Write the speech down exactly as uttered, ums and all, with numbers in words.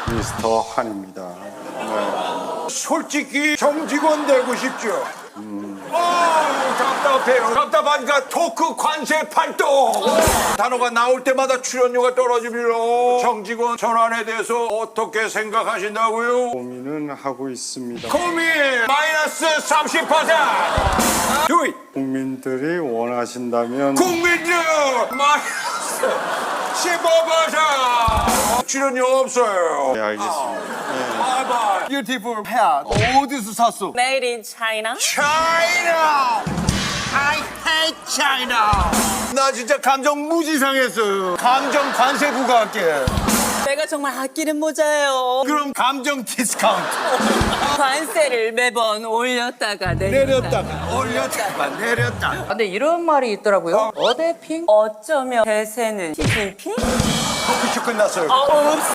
미스터 한입니다. 네. 솔직히 정직원 되고 싶죠? 음. 아, 답답해요. 답답하니까 토크 관세 팔도 단어가 나올 때마다 출연료가 떨어집니다. 정직원 전환에 대해서 어떻게 생각하신다고요? 고민은 하고 있습니다. 고민 마이너스 삼십 퍼센트. Do it. 국민들이 원하신다면 국민들 마이너스 십오 퍼센트. 출연료 없어요. 네, 알겠습니다. 네. 바이바이. 뷰티풀 헤어 어디서 샀어? Made in China. China. I hate China. 나 진짜 감정 무지 상했어요. 감정 관세 부과할게. 내가 정말 아끼는 모자예요. 그럼 감정 디스카운트. 관세를 매번 올렸다가 내렸다가. 내렸다가 올렸다가 내렸다가. 근데 이런 말이 있더라고요. 어대핑? 어쩌면 대세는 시진핑? 커피숍 끝났어요. 어,